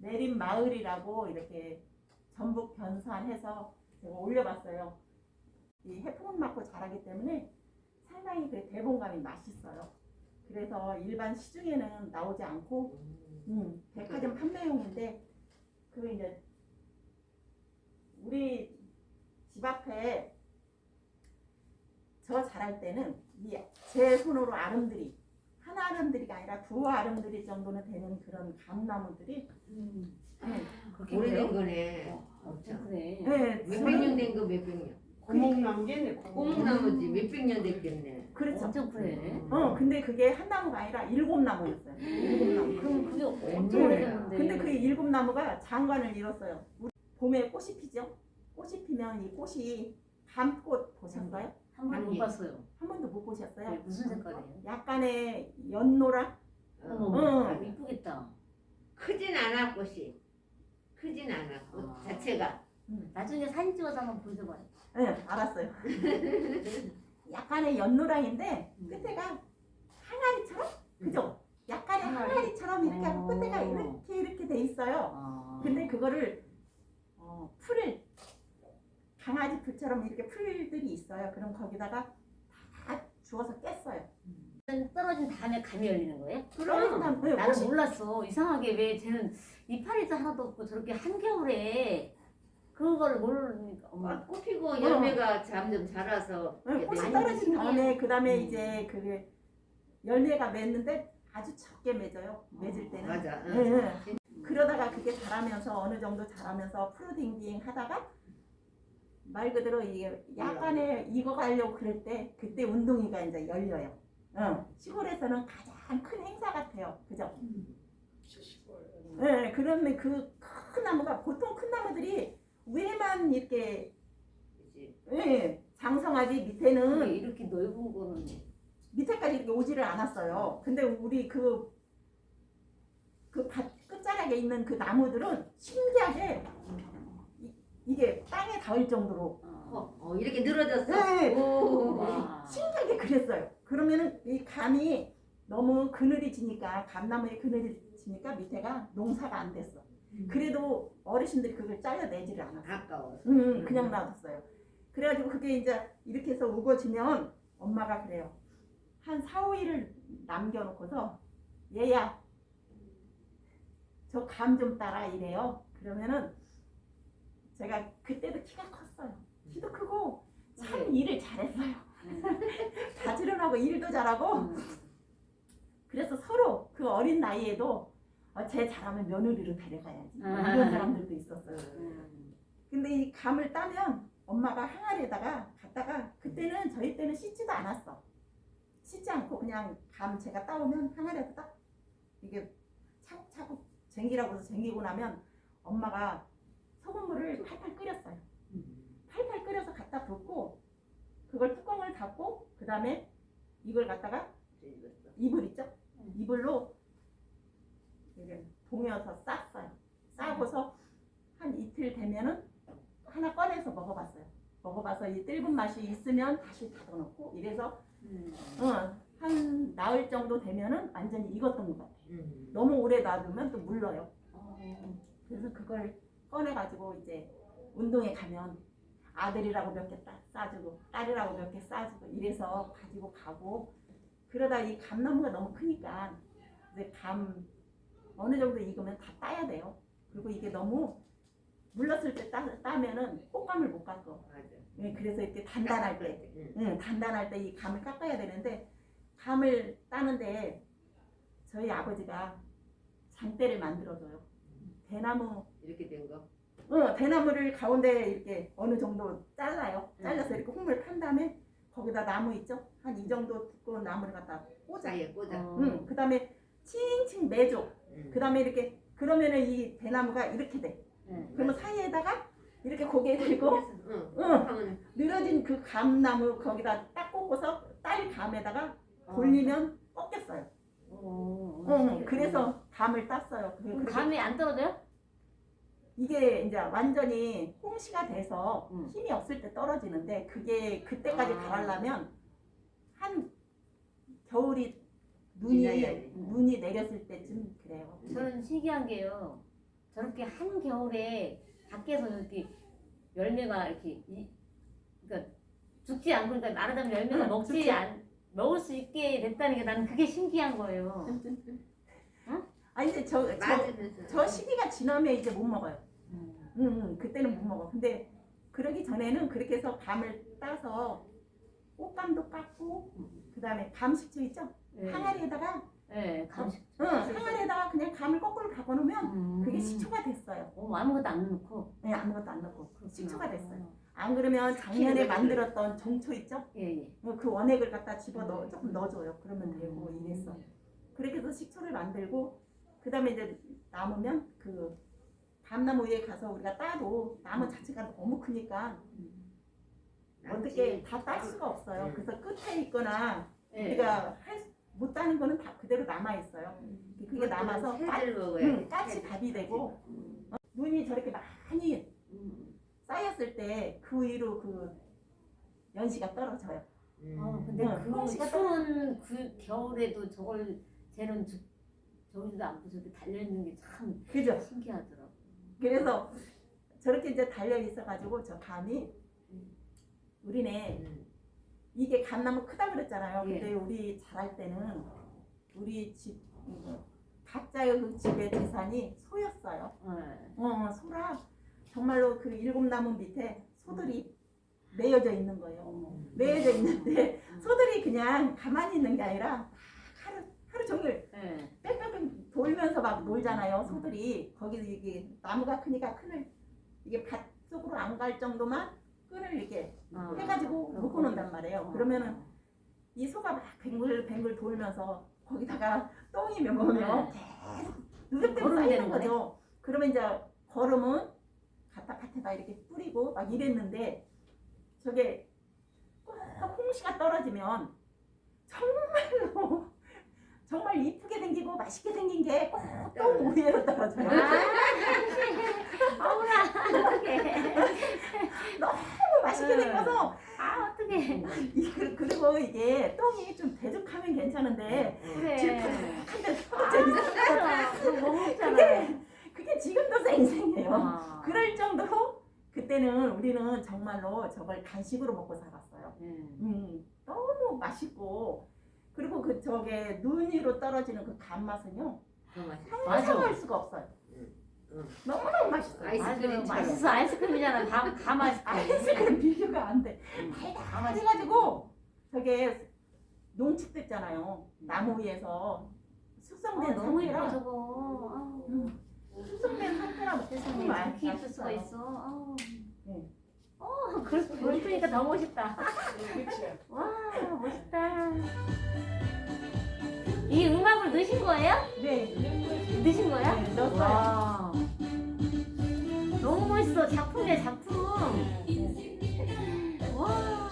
내린 마을이라고 이렇게 전북 변산해서 제가 올려봤어요. 이 해풍을 맞고 자라기 때문에 상당히 그 대봉감이 맛있어요. 그래서 일반 시중에는 나오지 않고 백화점 판매용인데 그 이제 우리 집 앞에 저 자랄 때는 제 손으로 아름드리 한 아름드리가 아니라 두 아름드리 정도는 되는 그런 감나무들이 그렇게 오래된 돼요? 거네. 엄청 그래. 네, 몇백 년 된 거 몇백 년. 고목나무겠네. 고목나무지 몇백 년 됐겠네. 그렇죠. 엄청 그래. 근데 그게 한 나무가 아니라 7나무였어요. 7나무. 그럼 그게 엄청 네. 오래됐는데. 근데 그 7나무가 장관을 잃었어요. 우리 봄에 꽃이 피죠. 꽃이 피면 이 꽃이 밤꽃 보셨어요? 한 번도 못 아니. 봤어요. 한 번도 못 보셨어요? 네, 무슨 색깔이에요? 약간의 연노라? 어머, 응. 이쁘겠다. 크진 않아 꽃이. 크진 않아 꽃 아. 자체가. 나중에 사진 찍어서 한번 보여줘봐요. 네, 알았어요. 약간의 연노랑인데 끝에가 항아리처럼? 그죠? 약간의 항아리처럼 이렇게 하고 끝에가 이렇게 돼 있어요. 아. 근데 그거를 풀을 강아지 풀처럼 이렇게 풀들이 있어요. 그럼 거기다가 다 주워서 깼어요. 떨어진 다음에 감이 열리는 거예요? 그럼 네, 나는 몰랐어. 이상하게 왜 쟤는 이파리도 하나도 없고 저렇게 한겨울에 그걸 모르니까 엄마. 꽃 피고 열매가 점점 자라서. 이렇게 꽃이 되는 떨어진 거지. 다음에 그 다음에 이제 그 열매가 맺는데 아주 적게 맺어요. 맺을 때는. 맞아. 네, 응. 네. 그러다가 그게 자라면서 어느 정도 자라면서 푸르딩딩 하다가 말 그대로 이게 약간의 익어가려고 그럴 때 그때 운동이가 이제 열려요. 시골에서는 가장 큰 행사 같아요. 그죠? 네, 그러면 그 큰 나무가 보통 큰 나무들이 위에만 이렇게 그치. 장성하지 근데 밑에는 이렇게 넓은 거는 밑에까지 이렇게 오지를 않았어요. 근데 우리 그 밭 끝자락에 있는 그 나무들은 신기하게 이게 땅에 닿을 정도로 이렇게 늘어졌어. 네. 오. 와. 신기하게 그랬어요. 그러면은 이 감이 너무 그늘이 지니까 감나무에 그늘이 지니까 밑에가 농사가 안 됐어. 그래도 어르신들이 그걸 잘라내지를 않았어. 아까워. 그냥 놔뒀어요. 그래가지고 그게 이제 이렇게 해서 우거지면 엄마가 그래요. 한 4, 5일을 남겨놓고서 얘야 저 감 좀 따라 이래요. 그러면은 제가 그때도 키가 컸어요. 키도 크고 참 일을 잘했어요. 가지런하고 일도 잘하고 그래서 서로 그 어린 나이에도 쟤 잘하면 며느리로 데려가야지 이런 사람들도 있었어요. 근데 이 감을 따면 엄마가 항아리에다가 갖다가 그때는 저희 때는 씻지도 않았어. 씻지 않고 그냥 감 제가 따오면 항아리에다 딱 이게 차곡차곡 쟁기라고 해서 쟁기고 나면 엄마가 소금물을 팔팔 끓였어요. 팔팔 끓여서 갖다 붓고 그걸 뚜껑을 닫고 그 다음에 이걸 갖다가 이불 있죠? 이불로 이렇게 동여서 쌌어요. 싸고서 한 이틀 되면은 하나 꺼내서 먹어봤어요. 먹어봐서 이 뜰분 맛이 있으면 다시 닫아놓고 이래서 한 나흘 정도 되면은 완전히 익었던 것 같아요. 너무 오래 놔두면 또 물러요. 그래서 그걸 꺼내가지고 이제 운동에 가면 아들이라고 몇 개 싸주고 딸이라고 몇 개 싸주고 이래서 가지고 가고 그러다 이 감나무가 너무 크니까 이제 감 어느 정도 익으면 다 따야 돼요. 그리고 이게 너무 물렀을 때 따면은 꽃감을 못 깎어. 맞아. 그래서 이렇게 단단할 때, 단단할 때 이 감을 깎아야 되는데 감을 따는데 저희 아버지가 장대를 만들어줘요. 대나무 이렇게 된 거. 대나무를 가운데 이렇게 어느 정도 잘라요. 잘라서 이렇게 홈을 판 다음에 거기다 나무 있죠? 한 이 정도 두꺼운 나무를 갖다 꽂아. 사이에 꽂아. 그 다음에 칭칭 매줘. 그 다음에 이렇게 그러면은 이 대나무가 이렇게 돼. 그러면 사이에다가 이렇게 고개 들고 하면 늘어진 그 감나무 거기다 딱 꽂고서 딸 감에다가 돌리면 꺾였어요. 그래서 감을 땄어요. 그럼 감이 안 떨어져요? 이게 이제 완전히 홍시가 돼서 힘이 없을 때 떨어지는데 그게 그때까지 가라려면 한 겨울이 눈이 내렸을 때쯤 그래요. 저는 신기한 게요. 저렇게 한겨울에 밖에서 이렇게 열매가 이렇게 그러니까 죽지 않고 그러니까 말하자면 열매가 먹을 수 있게 됐다는 게 나는 그게 신기한 거예요. 아니 이제 저 맞으면서. 시기가 지나면 이제 못 먹어요. 그때는 못 먹어. 근데 그러기 전에는 그렇게 해서 감을 따서 꽃감도 깎고 그다음에 감식초 있죠? 네. 항아리에다가 네, 감식. 항아리에다가 그냥 감을 거꾸로 갖고 놓으면 그게 식초가 됐어요. 아무것도 안 넣고. 네, 아무것도 안 넣고 그렇구나. 식초가 됐어요. 안 그러면 작년에 만들었던 종초 있죠? 예. 그 원액을 갖다 집어 넣어 조금 넣어줘요. 그러면 되고 이랬어. 그렇게 해서 식초를 만들고 그다음에 이제 남으면 그 감나무 위에 가서 우리가 따도 나무 자체가 너무 크니까 어떻게 다 딸 수가 없어요. 그래서 끝에 있거나 예. 우리가 못 따는 거는 다 그대로 남아 있어요. 그게 남아서 새들 먹어야 까치 밥이 되고 눈이 저렇게 많이 쌓였을 때 그 위로 그 연시가 떨어져요. 근데 그 홍시가 추운 그 겨울에도 저걸 쟤는 저기도 않고 저렇게 달려 있는 게 참 그죠? 신기하더라고. 그래서 저렇게 이제 달려 있어가지고 저 감이 우리네 이게 감나무 크다 그랬잖아요. 예. 근데 우리 자랄 때는 우리 집 각자의 그 집의 재산이 소였어요. 소라 정말로 그 일곱 나무 밑에 소들이 매여져 있는 거예요. 매여져 있는데 소들이 그냥 가만히 있는 게 아니라 하루 종일 빽빽 돌면서 막 놀잖아요. 소들이 거기서 이게 나무가 크니까 끈을 이게 밭 속으로 안 갈 정도만 끈을 이렇게 해가지고 묶어 놓는단 말이에요. 그러면은 이 소가 막 뱅글뱅글 돌면서 거기다가 똥이 먹으면 계속 누적대로 쌓이는 거죠. 그러면 이제 거름은 갖다 밭에다 이렇게 뿌리고 막 이랬는데 저게 꼭 홍시가 떨어지면 정말로 정말 이쁘게 생기고 맛있게 생긴 게 꼭 똥 위에로 떨어져요. 아우라 어떡해. 너무 맛있게 생겨서 어떡해. 그리고 이게 똥이 좀 대죽하면 괜찮은데 그래. 질퍽한데 떨어져 있어요. 못 먹잖아. 그게 지금도 생생해요. 그럴 정도로 그때는 우리는 정말로 저걸 간식으로 먹고 살았어요. 너무 맛있고 그리고 그 저게 눈 위로 떨어지는 그 감맛은요 상상할 수가 없어요. 너무너무 맛있어요. 아이스크림 맛있어. 아이스크림이잖아. 다 맛있어. 아이스크림 비교가 안 돼. 달달해가지고 저게 농축됐잖아요. 나무 위에서 숙성된 너무 예뻐 상태라 저거. 숙성된 상태라 세상에 이렇게 예쁠 수가 있어. 네. 그러니까 더 멋있다. 그렇죠. 와 멋있다. 이 음악을 넣으신 거예요? 네. 넣으신 거야? 네, 넣었어요. 와. 너무 멋있어. 작품이야 작품. 와.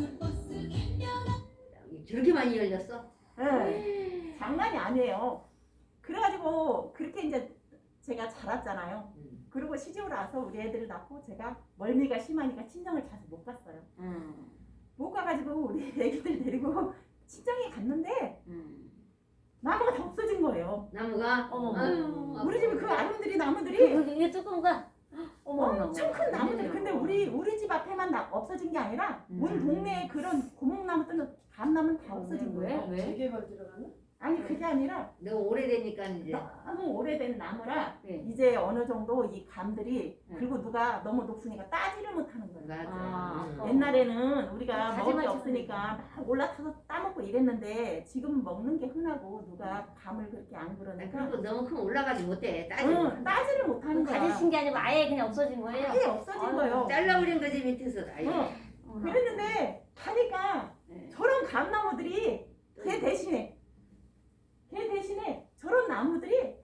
저렇게 많이 열렸어? 네. 장난이 아니에요. 그래가지고 그렇게 이제 제가 자랐잖아요. 그리고 시집을 와서 우리 애들을 낳고 제가 멀미가 심하니까 친정을 자주 못 갔어요. 못 가가지고 우리 애기들 데리고 친정에 갔는데 나무가 다 없어진 거예요. 나무가? 어머. 우리 집에 그 아름드리 나무들이 이게 조금가. 엄청 큰 나무들. 근데 우리 집 앞에만 없어진 게 아니라 온 동네에 그런 고목나무들은 감나무는 다 없어진 거예요. 왜? 재개발 들어가나? 아니 그게 아니라 너무 오래되니까 이제 너무 오래된 나무라 네. 이제 어느 정도 이 감들이 네. 그리고 누가 너무 높으니까 따지를 못하는 거예요. 맞아. 옛날에는 우리가 먹을 게 가지만 없으니까 막 올라타서 따먹고 이랬는데 지금 먹는 게 흔하고 누가 감을 그렇게 안 그러니까 그리고 너무 크면 올라가지 못해. 따지면. 따지를 못하는 거야. 가지신 게 아니고 아예 그냥 없어진 거예요? 아예 없어진 아유, 거예요. 잘라버린 거지 밑에서. 아이. 그랬는데 가니까 네. 저런 감나무들이 걔 대신에 저런 나무들이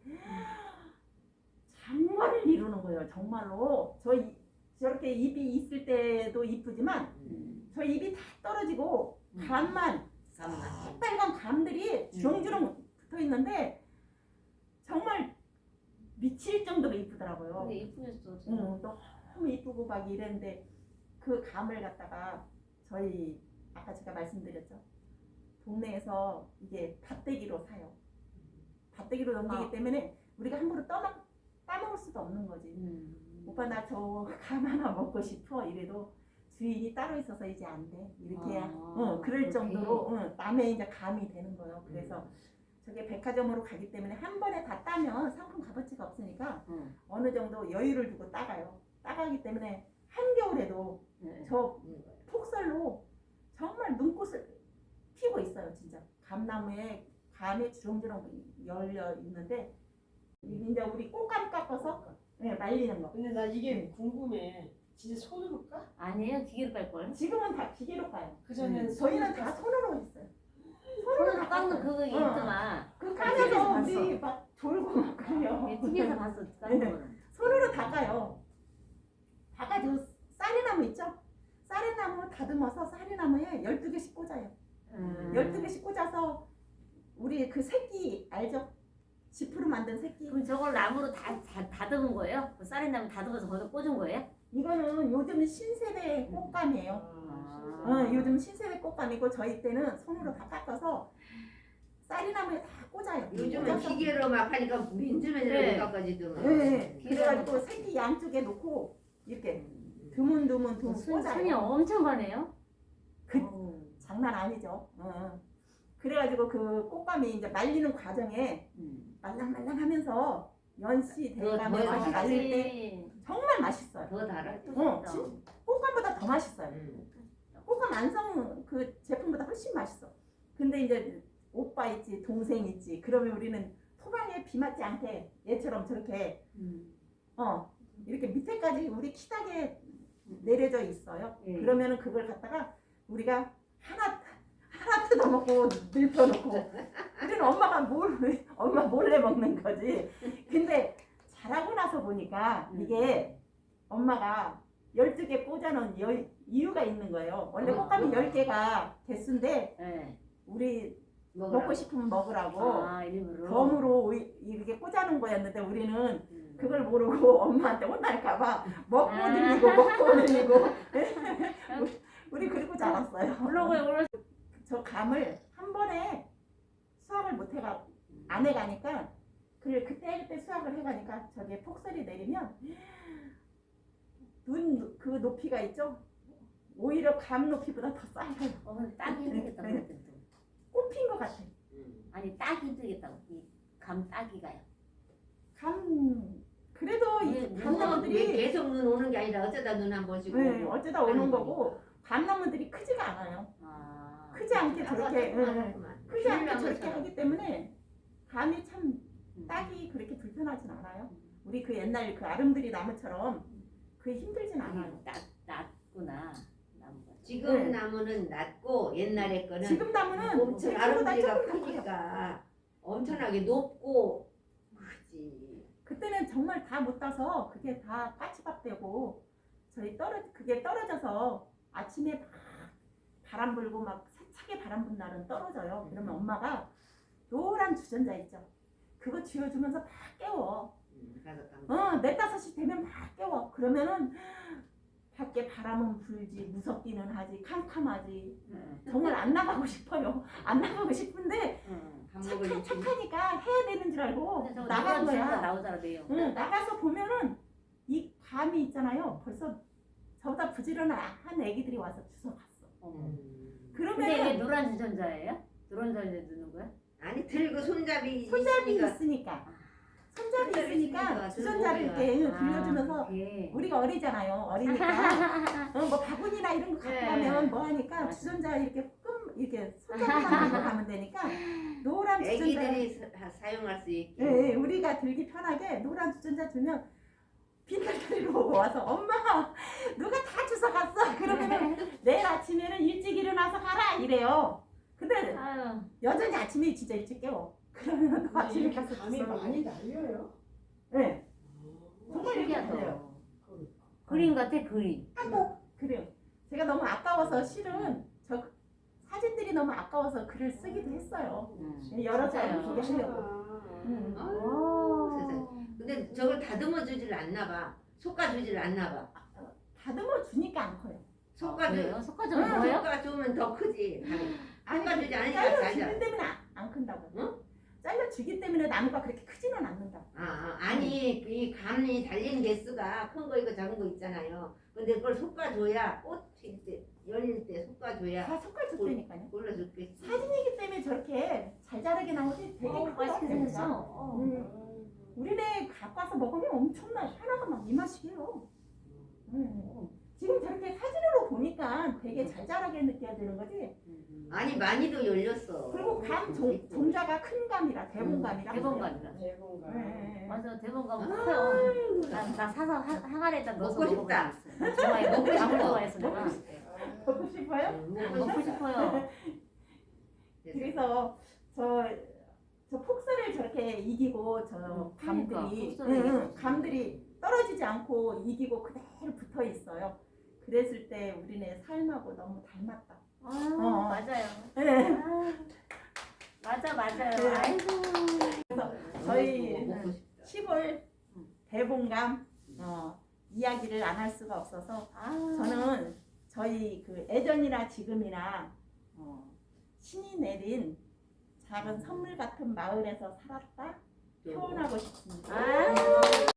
장관을 이루는 거예요. 정말로 저렇게 잎이 있을 때도 이쁘지만 저 잎이 다 떨어지고 감만 빨간 감들이 주렁주렁 붙어 있는데 정말 미칠 정도로 이쁘더라고요. 근데 이쁘겠어. 너무 이쁘고 막 이랬는데 그 감을 갖다가 저희 아까 제가 말씀드렸죠. 동네에서 이게 밭대기로 사요. 밭대기로 넘기기 때문에 우리가 함부로 따먹을 수도 없는 거지. 오빠 나 저 감 하나 먹고 싶어 이래도 주인이 따로 있어서 이제 안 돼. 이렇게 그럴 그렇게. 정도로 남의 이제 감이 되는 거예요. 그래서 저게 백화점으로 가기 때문에 한 번에 다 따면 상품 값어치가 없으니까 어느 정도 여유를 두고 따가요. 따가기 때문에 한겨울에도 저 폭설로 정말 눈꽃을 피고 있어요. 진짜 감나무에 감이 주렁주렁 열려 있는데 이제 우리 꽃감 깎아서 말리는 거. 근데 나 이게 궁금해. 진짜 손으로 까? 아니에요, 기계로 깔걸. 지금은 다 기계로 까요. 그전엔 저희는 다 손으로 했어요. 손으로 깎는 그거 있더만. 그 TV에서 까면서 봤어. 우리 막 졸고 막 그래요. TV에서 봤어, 까는 거는. 손으로 닦아요. 닦아도 쌀이나무 있죠? 쌀이나무 다듬어서 쌀이나무에 12개씩 꽂아요. 12개씩 꽂아서 우리 그 새끼 알죠? 지프로 만든 새끼. 그럼 저걸 나무로 다 다듬은 거예요? 그 쌀이 나무 다듬어서 거기다 꽂은 거예요? 이거는 요즘 신세대 꽃감이에요. 요즘 신세대 꽃감이고 저희 때는 손으로 다 깎아서 쌀이나무에 다 꽂아요. 요즘은 꽂아서 기계로 막 하니까 네. 민주맨이라고 깎아지더만. 네. 그래가지고 새끼 양쪽에 놓고 이렇게 드문드문 손이 꽂아요. 엄청 가네요. 그- 어우. 장난 아니죠. 그래가지고 그 꽃감이 이제 말리는 과정에 말랑말랑하면서 연씨 돼가면서 더 말릴 때 정말 맛있어요. 더 달아. 꽃감보다 더 맛있어요. 꽃감 안성 그 제품보다 훨씬 맛있어. 근데 이제 오빠 있지, 동생 있지. 그러면 우리는 토방에 비 맞지 않게 얘처럼 저렇게 이렇게 밑에까지 우리 키닥에 내려져 있어요. 그러면은 그걸 갖다가 우리가 하나 뜯어먹고 늙혀놓고 우리는 엄마 몰래 먹는 거지. 근데 자라고 나서 보니까 이게 엄마가 12개 꽂아놓은 이유가 있는 거예요. 원래 꽃감이 10개가 개수인데 네. 우리 먹고 싶으면 먹으라고 아, 일부러. 덤으로 이렇게 꽂아놓은 거였는데 우리는 그걸 모르고 엄마한테 혼날까봐 먹고 늘리고 우리 그리고 자랐어요. 올라가요. 저 감을 한 번에 수확을 못 해가 안 해가니까 그때 수확을 해가니까 저게 폭설이 내리면 눈 그 높이가 있죠. 오히려 감 높이보다 더 쌓여요. 근데 따기 힘들겠다. 네. 그럴 또. 꽃핀 것 같아. 아니, 따기 힘들겠다고. 이 감 따기가요. 그래도 이 왜 감나무들이 계속 눈 오는 게 아니라 어쩌다 눈 한 번씩 네, 오고. 어쩌다 오는 거고 감나무들이 크지가 않아요. 크지 않게 저렇게 크지 않게 저렇게 하기 때문에 감이 참 따기 그렇게 불편하진 않아요. 우리 그 옛날 그 아름드리 나무처럼 그게 힘들진 않아요. 낮구나. 나무가. 지금 네. 나무는 낮고 옛날에 거는 지금 나무는 엄청 제 키보다 아름드리가 조금 커요. 크니까 엄청나게 높고 크지. 그때는 정말 다 못 따서 그게 다 까치밥 되고 그게 떨어져서 아침에 막 바람 불고 막 세차게 바람 분 날은 떨어져요. 그러면 엄마가 노란 주전자 있죠. 그거 쥐어주면서 막 깨워. 가서 4-5시 되면 막 깨워. 그러면은 밖에 바람은 불지 무섭기는 하지 캄캄하지. 정말 안 나가고 싶어요. 안 나가고 싶은데 밥 먹을 착하니까 해야 되는 줄 알고 근데 저거 나간 노란 주제가 거야. 나오잖아, 내용. 나가서 보면은 이 감이 있잖아요. 벌써 저보다 부지런한 애기들이 와서 주워갔어. 어머. 근데 왜 그러면 노란 주전자예요? 노란 주전자 넣는 거야? 아니 들고 손잡이 손잡이 있으니까 있으니까 손잡이 손잡이 있으니까 있으니까 주전자를 들고 이렇게 아, 빌려주면서 그게. 우리가 어리잖아요. 어리니까 뭐 바구니나 이런 거 갖고 네. 가면 뭐 하니까 맞아. 주전자 이렇게 손잡이만 들고 가면 되니까 노란 주전자. 애기들이 사용할 수 있게. 예, 우리가 들기 편하게 노란 주전자 주면 빈털터리로 오고 와서 엄마 누가 다 주워갔어. 그러면은 내일 아침에는 일찍 일어나서 가라 이래요. 근데 아유. 여전히 아침에 진짜 일찍 깨워. 그러면 또 아침에 이렇게 가서 감이 주워. 많이 날려요. 네. 정말 이렇게 신기하다. 돼요. 그림 같아, 그림. 그래요. 제가 너무 아까워서 실은 저 사진들이 너무 아까워서 글을 쓰기도 했어요. 여러 사람 진짜요. 보게 하려고. 아유, 세상에. 근데 저걸 다듬어 주질 않나 봐. 솎아주질 않나 봐. 다듬어 주니까 안 커요. 그래요? 솎아주 속화전 뭐예요? 솎아주면 더 크지. 아니, 솎아주지 않으니까 잘라 자자. 주기 때문에 안 큰다고. 응? 잘라 주기 때문에 나무가 그렇게 크지는 않는다. 아니 이 감이 달린 개수가 큰 거 있고 작은 거 있잖아요. 근데 그걸 솎아줘야 꽃 필 때, 열릴 때 솎아줘야 다 속갈 줬다니까요. 골라줬겠지. 사진이기 때문에 저렇게 잘 자라게 나오지 되게 어, 크다. 맛있게 생겼어. 우리네 갖고 와서 먹으면 엄청나 하나가 막 이 맛이에요. 지금 저렇게 사진으로 보니까 되게 잘 자라게 느껴지는 거지. 아니 많이도 열렸어. 그리고 감 종자가 큰 감이라 대봉감이라. 대본감이라. 대본가. 네. 맞아, 대본감 커요. 나 사서 항아리에다 넣어서 먹고 싶다. 먹어봤어. 좋아해. 먹고 감을 좋아해서 내가. 먹고 싶어요? 먹고 싶어요. 그래서 저 폭설을 저렇게 이기고 저 그러니까, 감들이 폭설을 이기고. 감들이 떨어지지 않고 이기고 그대로 붙어 있어요. 그랬을 때 우리네 삶하고 너무 닮았다. 맞아요. 네. 맞아요. 네. 아이고. 저희 먹고 싶다. 시골 대봉감 이야기를 안 할 수가 없어서 저는 저희 그 예전이나 지금이나 신이 내린 작은 선물 같은 마을에서 살았다 표현하고 싶습니다.